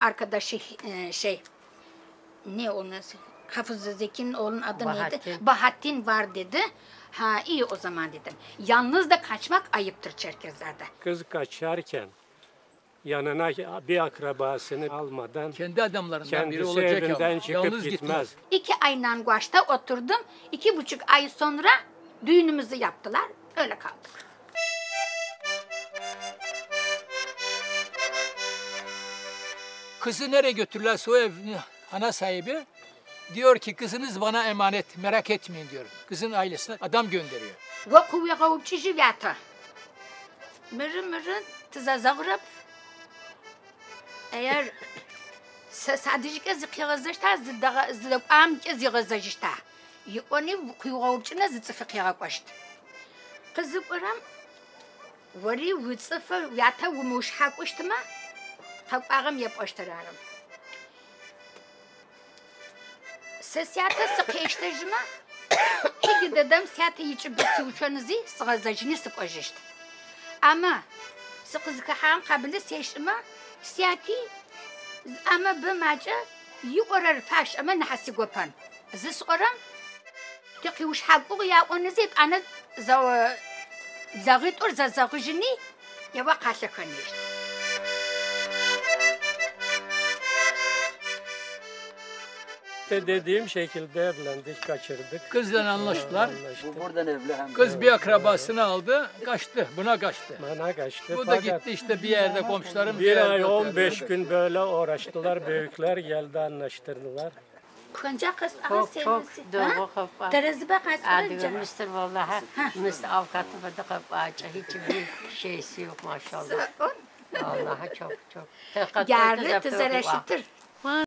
arkadaşı ne onun Hafız Zeki'nin oğlunun adı Bahattin. neydi? Bahattin var dedi. Ha iyi o zaman dedim. Yalnız da kaçmak ayıptır Çerkezler'de. Kız kaçarken yanına bir akrabasını almadan Kendi adamlarından biri kendisi olacak evinden ama çıkıp yalnız gitmez. 2 ayla Guaş'ta oturdum. 2,5 ay sonra düğünümüzü yaptılar. Öyle kaldık. Kızı nereye götürürlerse o evin ana sahibi diyor ki kızınız bana emanet, merak etmeyin diyor. Kızın ailesine adam gönderiyor. Воку я учи живята. Mırın tızazağırıp eğer sadece zıkıyağızışta zıdak amke zıgazajışta. Onu kuyuğavuçuna zıtsıfıkıya koştu. Kızı kuram varı vıtsıfı yata vumuşha koştuma takağım yapıştırarım. Ses yata sıkıştırıcıma çünkü dedem siyata içip bir uçanızı zıgazajını sıkıştı. Ama sıkızı kahan kabili seçime siyati ama bu maca yukarı faş ama nahsi gopan. Zis oram تقيوش حقوق يا ونزيد أنا زغيت أرز زغجني يا وقع شكنيش. Dediğim şekilde evlendik, kaçırdık. Kızla anlaştılar. Anlaştık. Buradan evli hem. Kız bir akrabasını aldı, kaçtı. Buna kaçtı. Bana kaçtı. Bu da Fakat gitti işte bir yerde komşularım. bir yerde ay oturuyor. 15 gün böyle uğraştılar. Büyükler geldi anlaştırdılar. Kınca kız aha Çok sevmesi. doğru kapı. Terezi bak Adı asılınca. Mr. Vallahi Mr. Avukatı da kapı açı. Hiçbir şeysi yok maşallah. Vallahi çok. Yarı tızara şıtır.